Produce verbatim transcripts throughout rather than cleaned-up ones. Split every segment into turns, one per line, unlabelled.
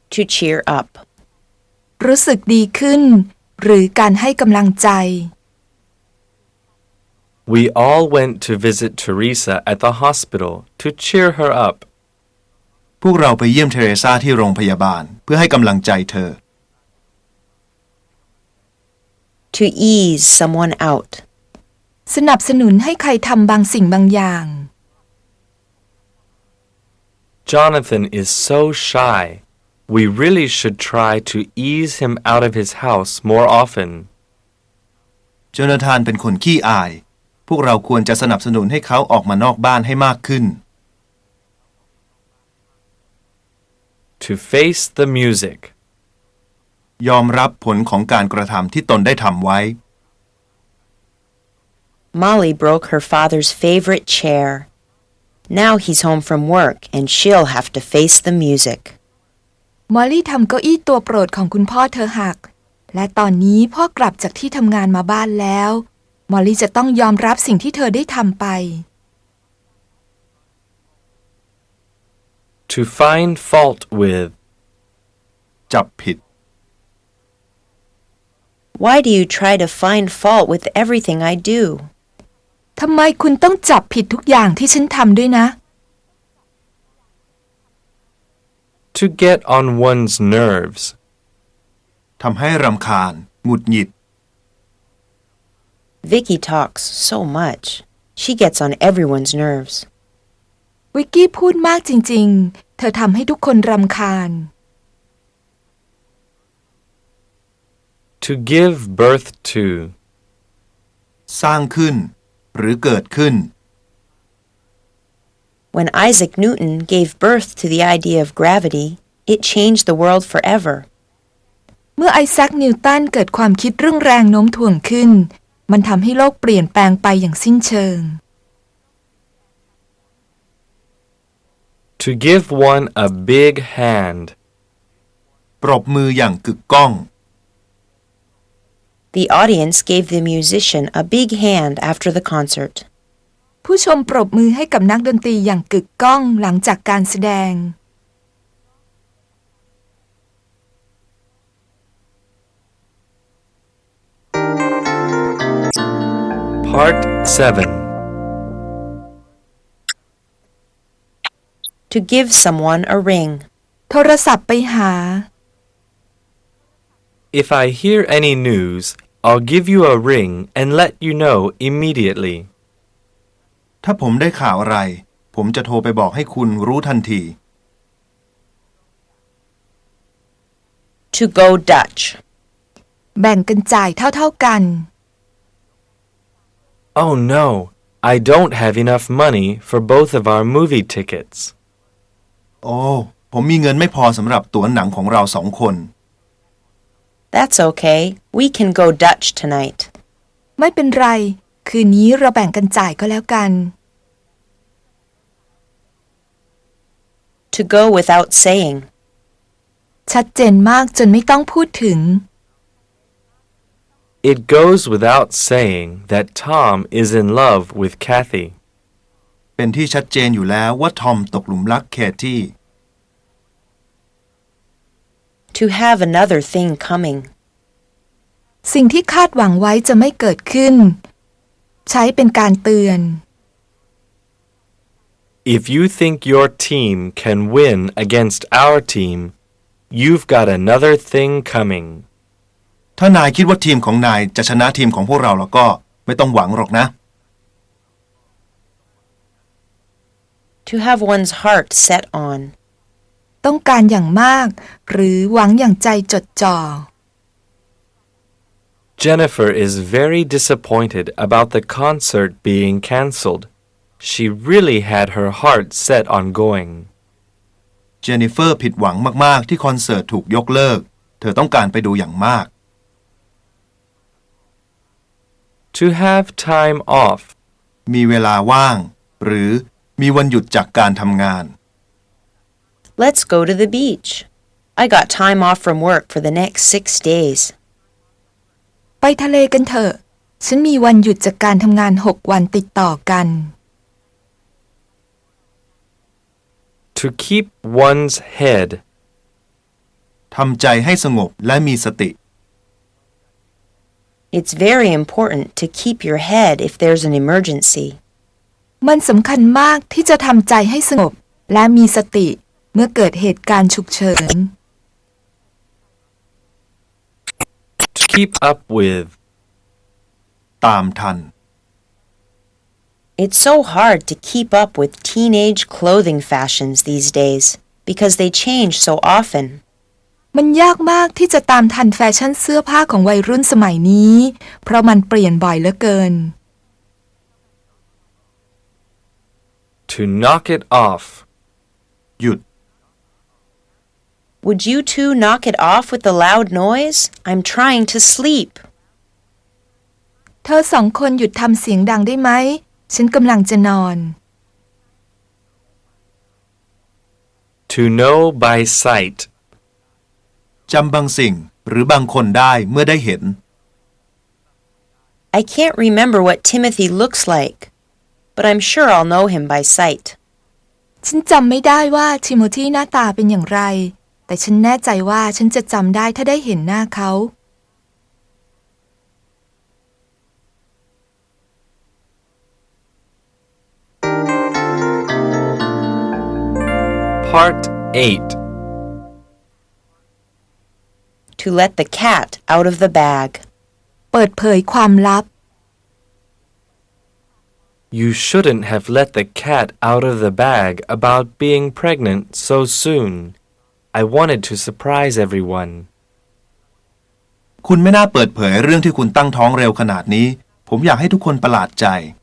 to cheer up
รู้สึกดีขึ้นหรือการให้กำลังใจ
We all went to visit Teresa at the hospital to cheer her up
พวกเราไปเยี่ยมเทเรซาที่โรงพยาบาลเพื่อให้กำลังใจเธอ
to ease someone out
สนับสนุนให้ใครทำบางสิ่งบางอย่าง
Jonathan is so shy. We really should try to ease him out of his house more often.
โจนาธานเป็นคนขี้อายพวกเราควรจะสนับสนุนให้เขาออกมานอกบ้านให้มากขึ้น
To face the music
ยอมรับผลของการกระทำที่ตนได้ทำไว้
Molly broke her father's favorite chair. Now he's home from work and she'll have to face the music.
มอลลี่ทำเก้าอี้ตัวโปรดของคุณพ่อเธอหักและตอนนี้พ่อกลับจากที่ทำงานมาบ้านแล้วมอลลี่จะต้องยอมรับสิ่งที่เธอได้ทำไป
To find fault with
จับผิด
Why do you try to find fault with everything I do?
ทำไมคุณต้องจับผิดทุกอย่างที่ฉันทำด้วยนะ
To get on one's nerves
ทำให้รำคาญหงุดหงิด
Vicky talks so much. She gets on everyone's nerves.
วิกกี้พูดมากจริงๆเธอทำให้ทุกคนรำคาญ
To give birth to
สร้างขึ้นหรือเกิดขึ้น
When Isaac Newton gave birth to the idea of gravity, it changed the world forever.
เมื่อไอแซคนิวตันเกิดความคิดเรื่องแรงโน้มถ่วงขึ้นมันทำให้โลกเปลี่ยนแปลงไปอย่างสิ้นเชิง
To give one a big hand
ปรบมืออย่างกึกก้อง
The audience gave the musician a big hand after the concert.
ผู้ชมปรบมือให้กับนักดนตรีอย่างกึกก้องหลังจากการแสดง
Part seven
To give someone a ring.
โทรศัพท์ไปหา
If I hear any news, I'll give you a ring and let you know immediately.
ถ้าผมได้ข่าวอะไรผมจะโทรไปบอกให้คุณรู้ทันที
To go Dutch.
แบ่งกันจ่ายเท่าๆกัน
Oh no, I don't have enough money for both of our movie tickets.
โอ้ผมมีเงินไม่พอสำหรับตั๋วหนังของเราสองคน
That's okay. We can go Dutch tonight.
ไม่เป็นไรคืนนี้เราแบ่งกันจ่ายก็แล้วกัน
To go without saying.
ชัดเจนมากจนไม่ต้องพูดถึง
It goes without saying that Tom is in love with Kathy.
เป็นที่ชัดเจนอยู่แล้วว่าทอมตกหลุมรักแคที่
To have another thing coming.
สิ่งที่คาดหวังไว้จะไม่เกิดขึ้นใช้เป็นการเตือน
If you think your team can win against our team, you've got another thing coming.
ถ้านายคิดว่าทีมของนายจะชนะทีมของพวกเราแล้วก็ไม่ต้องหวังหรอกนะ
To have one's heart set on.
ต้องการอย่างมากหรือหวังอย่างใจจดจ่อ
Jennifer is very disappointed about the concert being cancelled. She really had her heart set on going.
เจนนิเฟอร์ผิดหวังมากๆที่คอนเสิร์ตถูกยกเลิกเธอต้องการไปดูอย่างมาก
To have time off.
มีเวลาว่างหรือมีวันหยุดจากการทำงาน
Let's go to the beach. I got time off from work for the next six days.
ไปทะเลกันเถอะฉันมีวันหยุดจากการทำงานหกวันติดต่อกัน
To keep one's head.
ทำใจให้สงบและมีสติ
It's very important to keep your head if there's an emergency.
มันสำคัญมากที่จะทำใจให้สงบและมีสติเมื่อเกิดเหตุการณ์ฉุกเฉิน
To keep up with.
ตามทัน
It's so hard to keep up with teenage clothing fashions these days because they change so often.
มันยากมากที่จะตามทันแฟชั่นเสื้อผ้าของวัยรุ่นสมัยนี้เพราะมันเปลี่ยนบ่อยเหลือเกิน
To knock it off.
หยุด
Would you two knock it off with the loud noise? I'm trying to sleep.
เธอสองคนหยุดทำเสียงดังได้ไหมฉันกำลังจะนอน
To know by sight.
จำบางสิ่งหรือบางคนได้เมื่อได้เห็น
I can't remember what Timothy looks like, but I'm sure I'll know him by sight.
ฉันจำไม่ได้ว่าทิโมธีหน้าตาเป็นอย่างไรแต่ฉันแน่ใจว่าฉันจะจำได้ถ้าได้เห็นหน้าเขา
Part eight.
To let the cat out of the bag.
เปิดเผยความลับ
You shouldn't have let the cat out of the bag about being pregnant so soon. I wanted to surprise everyone.
คุณไม่น่าเปิดเผยเรื่องที่คุณตั้งท้องเร็วขนาดนี้ผมอยากให้ทุกคนประหลาดใจ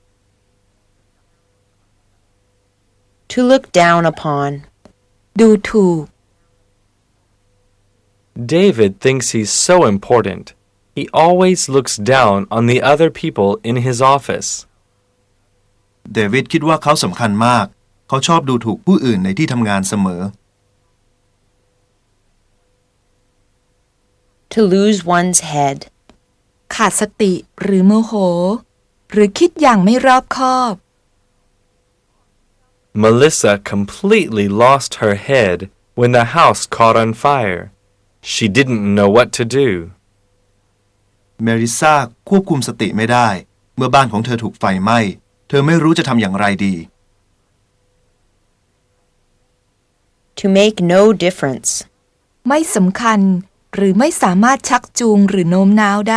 To look down upon.
ดูถูก
David thinks he's so important. He always looks down on the other people in his office.
เดวิดคิดว่าเขาสำคัญมากเขาชอบดูถูกผู้อื่นในที่ทำงานเสมอ
To lose one's head.
ขาดสติหรือโมโหหรือคิดอย่างไม่รอบคอบ
Melissa completely lost her head when the house caught on fire. She didn't know what to do.
เมริซาควบคุมสติไม่ได้เมื่อบ้านของเธอถูกไฟไหม้เธอไม่รู้จะทำอย่างไรดี
To make no difference.
ไม่สำคัญหรือไม่สามารถชักจูงหรือโน้มน้าวได้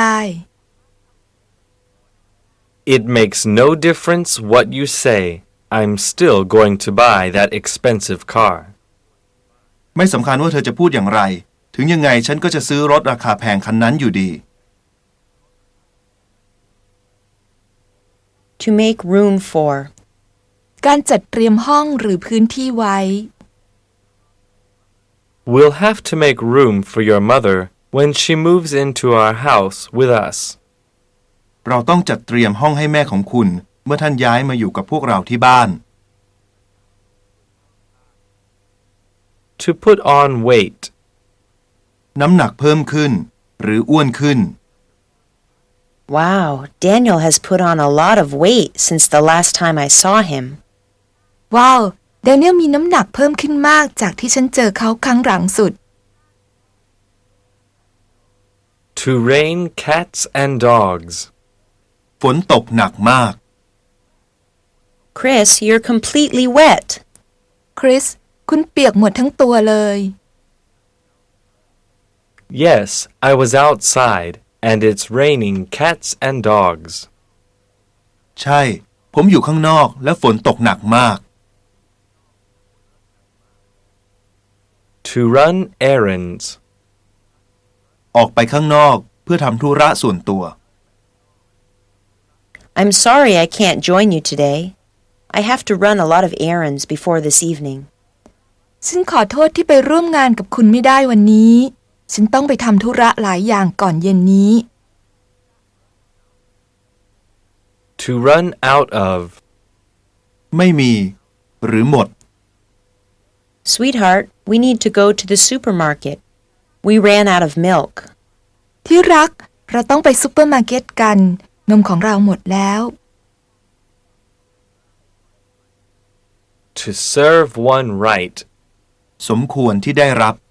It makes no difference what you say. I'm still going to buy that expensive car.
ไม่สำคัญว่าเธอจะพูดอย่างไรถึงยังไงฉันก็จะซื้อรถราคาแพงคันนั้นอยู่ดี
To make room for.
การจัดเตรียมห้องหรือพื้นที่ไว้
We'll have to make room for your mother when she moves into our house with us.
เราต้องจัดเตรียมห้องให้แม่ของคุณเมื่อท่านย้ายมาอยู่กับพวกเราที่บ้าน
To put on weight.
น้ำหนักเพิ่มขึ้นหรืออ้วนขึ้น
Wow, Daniel has put on a lot of weight since the last time I saw him.
ว้าวแดเนียลมีน้ำหนักเพิ่มขึ้นมากจากที่ฉันเจอเขาครั้งหลังสุด
To rain cats and dogs.
ฝนตกหนักมาก
Chris, you're completely wet.
คริสคุณเปียกหมดทั้งตัวเลย
Yes, I was outside, and it's raining cats and dogs.
ใช่ผมอยู่ข้างนอกและฝนตกหนักมาก
To run errands.
ออกไปข้างนอกเพื่อทำธุระส่วนตัว
I'm sorry I can't join you today. I have to run a lot of errands before this evening.
ฉันขอโทษที่ไปร่วมงานกับคุณไม่ได้วันนี้ ฉันต้องไปทำธุระหลายอย่างก่อนเย็นนี้
To run out of.
ไม่มีหรือหมด
Sweetheart, we need to go to the supermarket. We ran out of milk.
ที่รักเราต้องไปซุปเปอร์มาร์เก็ตกันนมของเราหมดแล้ว
To serve one right.
สมควรที่ได้รับ